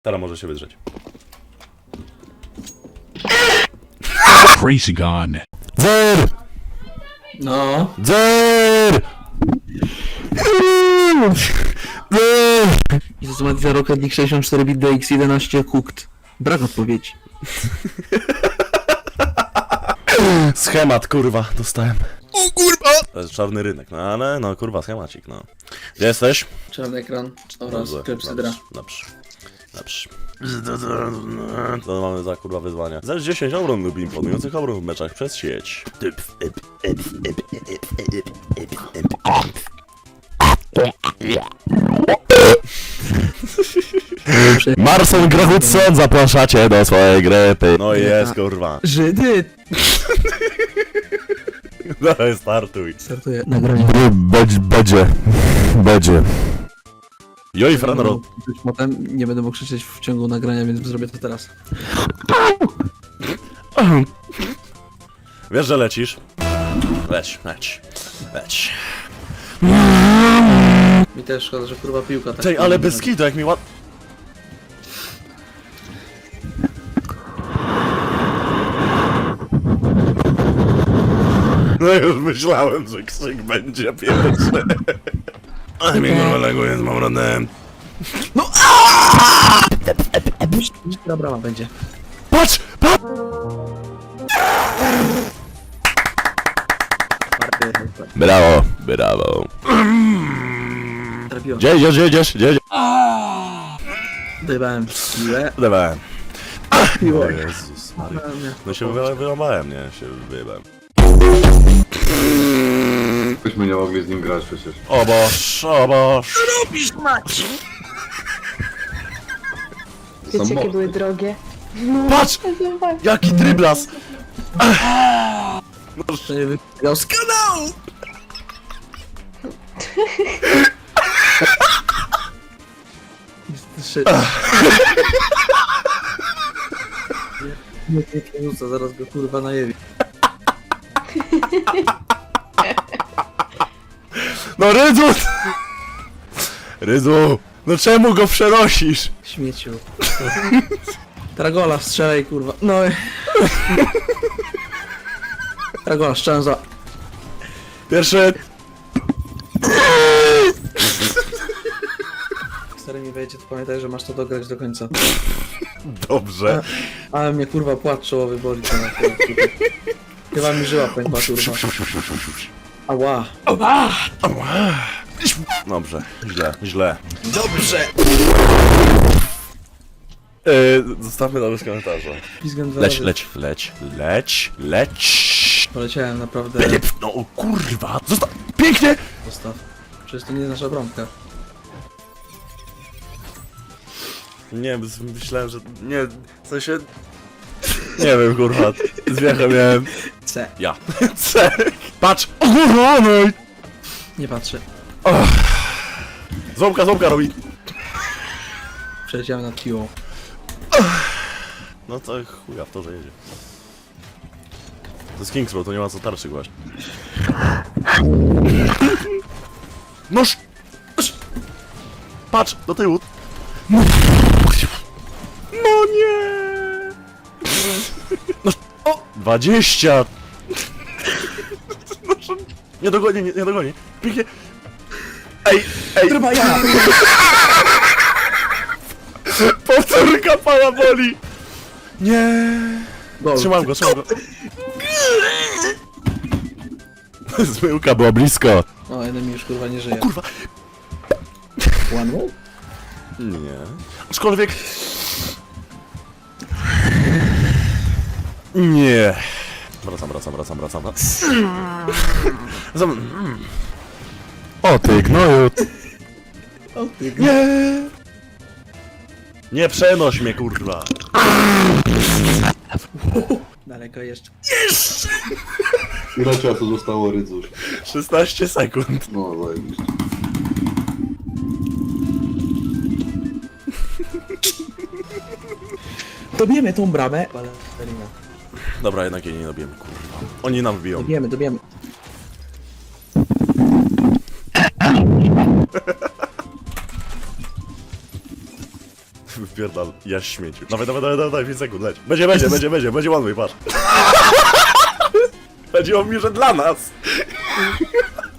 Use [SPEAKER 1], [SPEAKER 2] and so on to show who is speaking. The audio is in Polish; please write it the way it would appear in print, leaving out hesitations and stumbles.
[SPEAKER 1] Teraz może się wydrzeć.
[SPEAKER 2] Crazy Gun.
[SPEAKER 3] Dzer!
[SPEAKER 4] No.
[SPEAKER 3] Dzer!
[SPEAKER 4] I to ma za Rocket League 64 bit DX11 cooked. Brak odpowiedzi.
[SPEAKER 1] Schemat, kurwa, dostałem. O kurwa! To jest czarny rynek, no ale, no kurwa, schemacik, no. Gdzie jesteś?
[SPEAKER 4] Czarny ekran oraz klepsydra.
[SPEAKER 1] Dobrze. To mamy za kurwa wyzwania. Za 10 obron lub imponujących obron w meczach przez sieć.
[SPEAKER 3] Marson Grahutson, zapraszacie do swojej grypy.
[SPEAKER 1] No jest, kurwa.
[SPEAKER 4] Żydy!
[SPEAKER 1] Dawaj, startuj.
[SPEAKER 4] Startuję nagranie.
[SPEAKER 3] Będzie.
[SPEAKER 1] Joj, Franro.
[SPEAKER 4] Potem nie będę mógł krzyczeć w ciągu nagrania, więc zrobię to teraz.
[SPEAKER 1] Wiesz, że lecisz? Leć.
[SPEAKER 4] Mi też szkoda, że kurwa piłka tak...
[SPEAKER 1] Tej, ale bez kitu, jak mi ład... No już myślałem, że krzyk będzie pierwszy. Ale mi kurwa laguje z mamronem.
[SPEAKER 4] Która brama będzie?
[SPEAKER 1] Patrz!
[SPEAKER 3] Brawo.
[SPEAKER 4] Trafiłem.
[SPEAKER 3] Gdzie idziesz?
[SPEAKER 4] Dojebałem piłę.
[SPEAKER 1] Dawałem.
[SPEAKER 4] Piło.
[SPEAKER 1] O Jezus Maria. No się wyłamałem, nie? Się wyjebałem.
[SPEAKER 5] Byśmy nie mogli z nim grać przecież.
[SPEAKER 1] O Boż.
[SPEAKER 6] Wiecie, jakie były drogie?
[SPEAKER 1] Patrz! Jaki dryblas!
[SPEAKER 4] To nie wygrał z kanału! Nie rzuca, zaraz go kurwa najebi.
[SPEAKER 1] No Rydzu! Rydzu! No czemu go przenosisz?
[SPEAKER 4] Śmieciu. Tragola, strzelaj kurwa. No i... Tragola, strzelam za...
[SPEAKER 1] Pierwszy...
[SPEAKER 4] Stary mi wejdzie, to pamiętaj, że masz to dograć do końca.
[SPEAKER 1] Dobrze.
[SPEAKER 4] Ale mnie kurwa płat czołowy boli to na chwilę. Chyba mi żyła pękła kurwa. Ała.
[SPEAKER 1] Dobrze. Źle.
[SPEAKER 4] Dobrze!
[SPEAKER 1] Zostawmy to bez komentarza.
[SPEAKER 4] Pizgam dwa razy.
[SPEAKER 1] Leć.
[SPEAKER 4] Poleciałem naprawdę.
[SPEAKER 1] No o kurwa! Zostaw! Pięknie!
[SPEAKER 4] Zostaw. Przecież to nie jest nasza bramka.
[SPEAKER 1] Nie, myślałem, że... Nie, w sensie... Nie wiem, kurwa. Zwierzę miałem.
[SPEAKER 4] C.
[SPEAKER 1] Ja. C. Patrz! O kurwa, no i...
[SPEAKER 4] Nie patrzę.
[SPEAKER 1] Ząbka robi.
[SPEAKER 4] Przeleciałem nad piłą.
[SPEAKER 1] No to chuja w to, że jedzie. To jest Kings Row, to nie ma co tarczy właśnie. Noż! Patrz, do tyłu. No nie! No, o! 20! Nie dogoni. Pięknie. Ej!
[SPEAKER 4] Chyba ja!
[SPEAKER 1] Powtórka pana boli! Nie!
[SPEAKER 4] Gol.
[SPEAKER 1] Trzymam go. Zmyłka była blisko.
[SPEAKER 4] O, jeden mi już kurwa nie żyje.
[SPEAKER 1] Kurwa!
[SPEAKER 4] One way?
[SPEAKER 1] Nie. Aczkolwiek... Nie. Wracam.
[SPEAKER 3] O ty gnoju.
[SPEAKER 4] O ty
[SPEAKER 1] Nie! Nie przenoś mnie, kurwa.
[SPEAKER 4] Daleko jeszcze.
[SPEAKER 5] Ile czasu zostało Rydzuś?
[SPEAKER 1] 16 sekund.
[SPEAKER 5] No zajebiście.
[SPEAKER 4] Dobijemy tą bramę. Balerina.
[SPEAKER 1] Dobra, jednak jej nie dobijemy, kurwa. Oni nam wbiją.
[SPEAKER 4] Dobijemy.
[SPEAKER 1] Wbią Wypierdal, ja śmieciu. Dawaj, 5 sekund, leć. Będzie one way, patrz. Chodziło mi, że dla nas.